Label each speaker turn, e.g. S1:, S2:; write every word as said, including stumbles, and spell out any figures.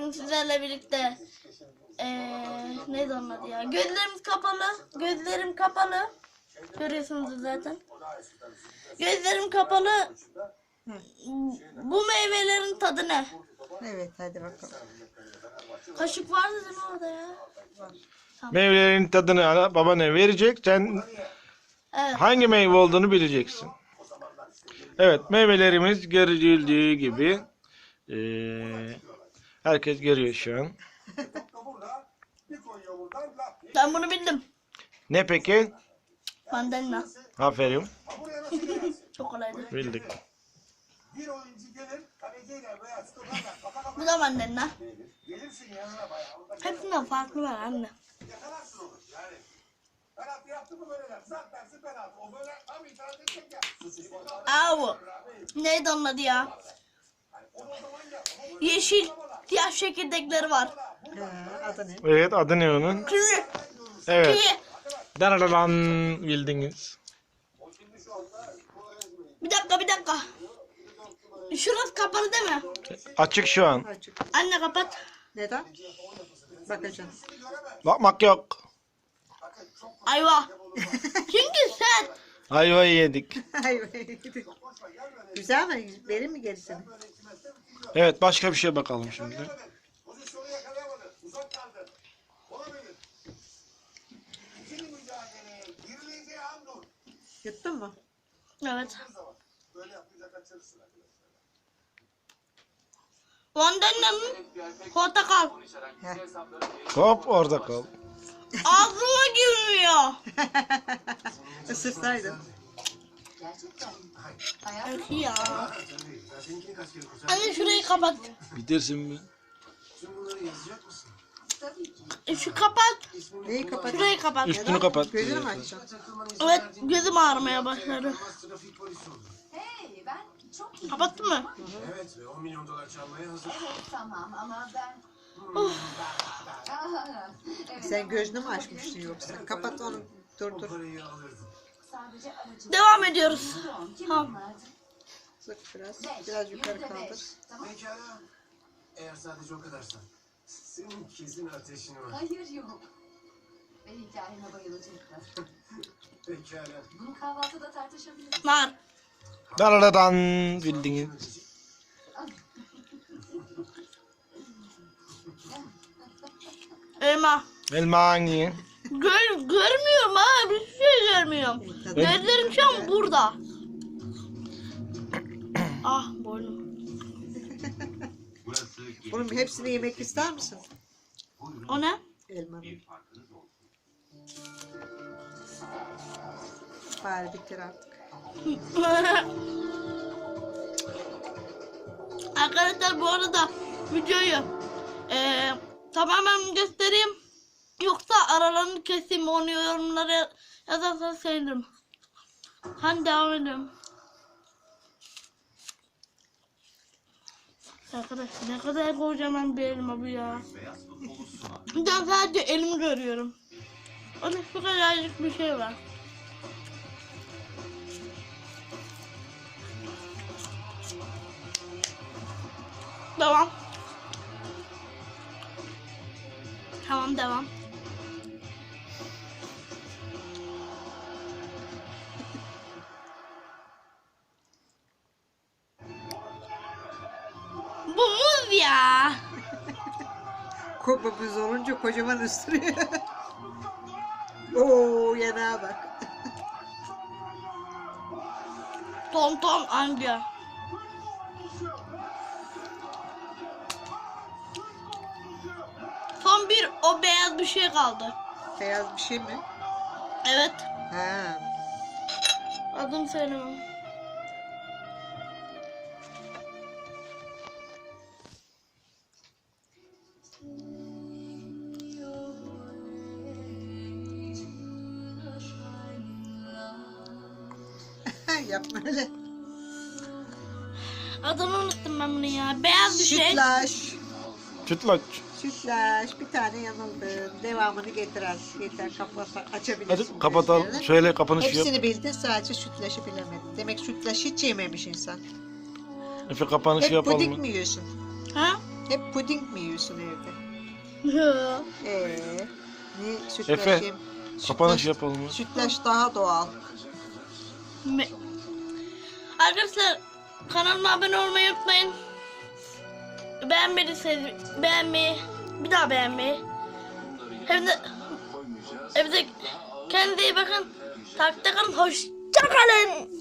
S1: bugün sizlerle birlikte ee, neydi onun adı ya? Gözlerimiz kapalı. Gözlerim kapalı. Görüyorsunuz zaten. Gözlerim kapalı. Bu meyvelerin tadı ne?
S2: Evet, hadi bakalım.
S1: Kaşık vardı değil mi orada ya?
S3: Meyvelerin tadını ana babana verecek. Sen
S1: Evet.
S3: hangi meyve olduğunu bileceksin. Evet, meyvelerimiz görüldüğü gibi. Ee, herkes görüyor şu an.
S1: Ben bunu bildim.
S3: Ne peki?
S1: Mandalina.
S3: Aferin.
S1: Çok kolaydı.
S3: Bildik.
S1: Bu da mandalina. Hepsinden farklı var anne. Aa bu. Neydi onun adı ya? Yeşil siyah çekirdekleri var.
S2: Ha, adı ne?
S3: Evet, adı ne onun?
S1: Kivi.
S3: Evet.
S1: Kivi.
S3: Daralan bildiniz.
S1: Bir dakika bir dakika. Şurası kapalı değil mi?
S3: Açık şu an.
S2: Açık.
S1: Anne kapat.
S2: Neden? Bakacağım.
S3: Bakmak yok.
S1: Ayva. Çünkü sen.
S3: Ayvayı yedik.
S2: Güzel mi? Verir mi gerisini?
S3: Evet, başka bir şey bakalım şimdi.
S2: Yuttun mu?
S1: Evet. Mandalina'nın portakal.
S2: Heh.
S3: Hop, orada kal.
S1: Ağzıma girmiyor.
S2: Isırsaydın.
S1: Evet ya. Anne şurayı kapat.
S3: Bitirsin mi?
S1: E, Şu kapat.
S2: Neyi kapat?
S1: Şurayı kapat.
S3: Üstünü kapat.
S2: Gözünü mü açacaksın?
S1: Evet gözüm ağrımaya başladı.
S4: Hey, ben çok iyi.
S1: Kapattın mı?
S5: Evet ve on milyon dolar çalmaya hazır.
S4: Evet, tamam ama ben...
S1: Of.
S4: evet,
S2: Sen gözünü mü açmışsın yoksa? Kapat onu. Dur
S5: O
S2: dur.
S5: parayı alırdım.
S4: sadece aracı...
S1: Devam ediyoruz.
S4: Kim
S1: Tamam.
S4: bunlardı?
S2: Sık biraz. Biraz yukarı
S4: Yüzde beş,
S2: kaldır.
S4: Tamam.
S5: Pekala. Eğer sadece o kadarsan. Senin kesin ateşin var.
S4: Hayır yok. Ve hikayeme bayılacaklar.
S5: Pekala.
S4: Bunu kahvaltıda tartışabiliriz.
S1: Var.
S3: Daralan bildiniz.
S1: Elma.
S3: Elma hangi?
S1: Gör, görmüyorum ha. Bir şey görmüyorum. Gözlerim şu an burada. Ah boynum.
S2: Bunun hepsini yemek ister misin?
S1: O ne?
S2: Elmanın. Bari bitir artık.
S1: Arkadaşlar bu arada videoyu eee, tamamen göstereyim. Yoksa aralarını keseyim, onu yorumlara yazarsanız sevinirim. Hadi devam edelim. Arkadaşlar ne kadar kocaman bir elma bu ya. Ben sadece elimi görüyorum. Onun şu kadarcık bir şey var. Devam. Tamam devam. Bu muz ya.
S2: Kopumuz olunca kocaman ısırıyor. Oo, yanağa bak.
S1: Tom tom anca. Son bir o beyaz bir şey kaldı.
S2: Beyaz bir şey mi?
S1: Evet.
S2: Ha.
S1: Adını söylemem.
S2: Yapma öyle.
S1: Adını unuttum ben bunu ya. Beyaz bir şey.
S2: Sütlaç.
S3: Sütlaç.
S2: Sütlaç. Bir tane yanıldı. Devamını getiren. Yeter, kapat, açabilirsin.
S3: Hadi kapatalım.
S2: gözlerini.
S3: Şöyle kapanışı yap.
S2: Hepsini bildin, sadece sütlaçı bilemedin. Demek sütlaç hiç yememiş insan.
S3: Efe kapanışı
S2: Hep
S3: yapalım
S2: pudik
S3: mı?
S2: mi yiyorsun?
S1: Ha?
S2: Hep puding mi yiyorsun evde?
S1: Yo.
S2: Ee, ne sütlaç
S3: Efe,
S2: yem-
S3: Kapanış
S2: sütlaç-
S3: yapalım mı?
S2: Sütlaç daha doğal.
S1: Me- Arkadaşlar kanalıma abone olmayı unutmayın. Beğenmediyseniz beğenmeyi, bir daha beğenmeyi. Hem de, hem de kendinize iyi bakın. Takipte kalın. Hoşça kalın.